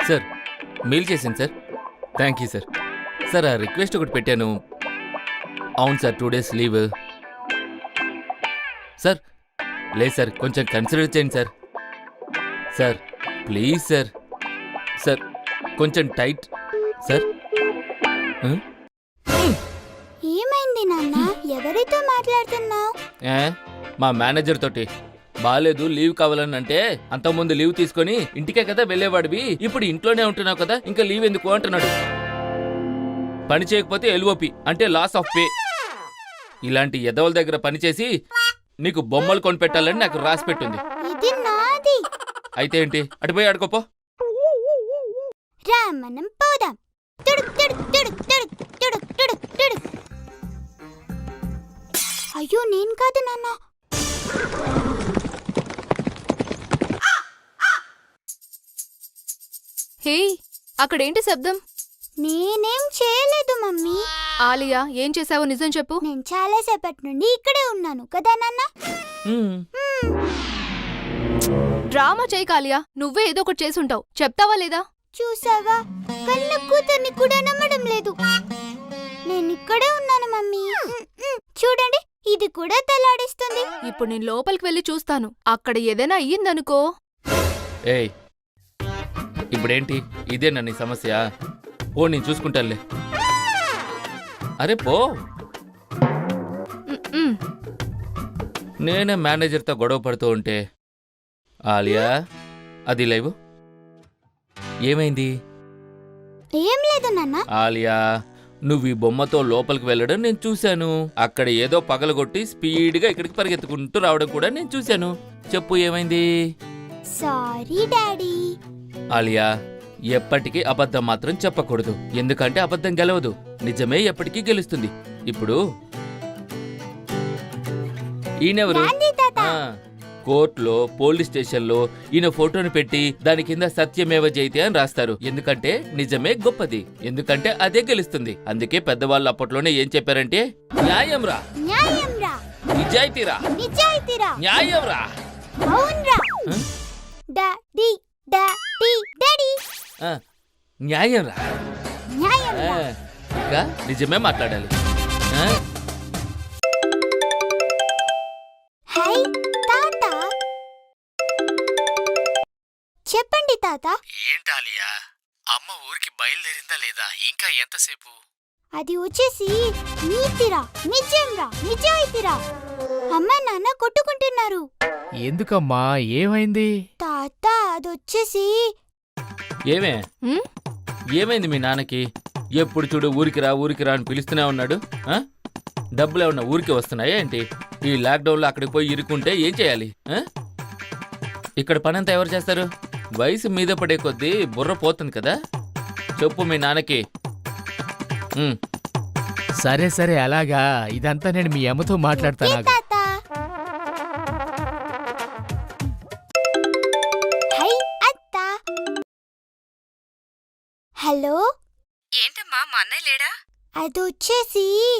Sir mail చేశాను sir. Thank you sir. Sir ఆ request ఒకటి పెట్టాను. అవును సార్, 2 days లీవ్. సార్ లేదు సార్, కొంచెం కన్సిడర్ చేయండి sir. Sir please sir. Sir కొంచెం టైట్ సార్. ఏమైంది నాన్న? ఎవరితో మాట్లాడుతున్నావు? మా మేనేజర్ తోటి. బాలేదు, లీవ్ కావాలని అంటే అంతకుముందు లీవ్ తీసుకొని ఇంటికే కదా వెళ్ళేవాడివి, ఇప్పుడు ఇంట్లోనే ఉంటున్నావు కదా, ఇంకా లీవ్ ఎందుకు అంటున్నాడు. పని చేయకపోతే ఎల్ఓపి అంటే లాస్ ఆఫ్ పే. ఇలాంటి ఎదవల దగ్గర పనిచేసి నీకు బొమ్మలు కొనిపెట్టాలని నాకు రాసి పెట్టుంది. ఇది నాది. అయితే ఏంటి, అటుపోయి ఆడుకోపో. రా మనం పోదాం. తుడుక్ తుడుక్ తుడుక్ తుడుక్ తుడుక్ తుడుక్ తుడుక్. అయ్యో నేను కాదు నాన్న. హే, అక్కడేంటి శబ్దం? నేనేం చేయలేదు మమ్మీ. ఆలియా, ఏం చేసావో నిజం చెప్పు. నేను చాలా సేపటి నుండి ఇక్కడే ఉన్నాను కదా నాన్న. డ్రామా చేయక ఆలియా, నువ్వే ఏదో ఒకటి చేసుంటావు. చెప్తావా లేదా? చూసావా, కళ్ళ కూతుర్ని కూడా నమ్మడం లేదు. నేను ఇక్కడే ఉన్నాను మమ్మీ. చూడండి, ఇది కూడా తలాడిస్తుంది. ఇప్పుడు నేను లోపలికి వెళ్ళి చూస్తాను. అక్కడ ఏదైనా అయ్యిందనుకో. ఏయ్, ఇప్పుడేంటి, ఇదేనా నీ సమస్య? ఓ నేను చూసుకుంటానులే. అరే పో. నేనే మేనేజర్తో గొడవ పడుతూ ఉంటే ఆలియా అది లేవు. ఏమైంది? ఏం లేదు నాన్న. ఆలియా, నువ్వు ఈ బొమ్మతో లోపలికి వెళ్ళడం నేను చూశాను. అక్కడ ఏదో పగలగొట్టి స్పీడ్గా ఇక్కడికి పరిగెత్తుకుంటూ రావడం కూడా నేను చూశాను. చెప్పు ఏమైంది? Sorry daddy. ఆలియా, ఎప్పటికీ అబద్ధం మాత్రం చెప్పకూడదు, ఎందుకంటే అబద్ధం గెలవదు, నిజమే ఎప్పటికీ గెలుస్తుంది. ఇప్పుడు ఈయనెవరు? కోర్టులో, పోలీస్ స్టేషన్లో ఈయన ఫోటోని పెట్టి దాని కింద సత్యమేవ జయతే అని రాస్తారు. ఎందుకంటే నిజమే గొప్పది, ఎందుకంటే అదే గెలుస్తుంది. అందుకే పెద్దవాళ్ళు అప్పట్లోనే ఏం చెప్పారంటే, న్యాయం రా, నిజాయితీ రా, న్యాయం రా. డాడీ డాడీ డాడీ, న్యాయం రా. ఇంకా నిజమే మాట్లాడాలి. హై తాత. చెప్పండి తాత. ఏంటాలియా, అమ్మ ఊరికి బయలుదేరిందా లేదా? ఇంకా ఎంతసేపు? అది వచ్చేసి నీతిరా, నిజంరా, నిజాయితీరా. అమ్మ నాన్న కొట్టుకుంటున్నారు. ఎందుకమ్మా, ఏమైంది? తాత అదొచ్చేసి. ఏమైంది మీ నాన్నకి? ఎప్పుడు చూడు ఊరికి రా ఊరికి రా అని పిలుస్తూనే ఉన్నాడు. డబ్బులు ఏమన్నా ఊరికి వస్తున్నాయా ఏంటి? ఈ లాక్డౌన్లో అక్కడికి పోయి ఇరుక్కుంటే ఏం చేయాలి? ఇక్కడ పనంతా ఎవరు చేస్తారు? వయసు మీద పడే కొద్దీ బుర్ర పోతుంది కదా. చెప్పు మీ నాన్నకి. సరే సరే, అలాగా. ఇదంతా నేను మీ అమ్మతో మాట్లాడతాను. హలో, ఏంటమ్మా, మా అన్నయ్య లేడా? అదొచ్చేసి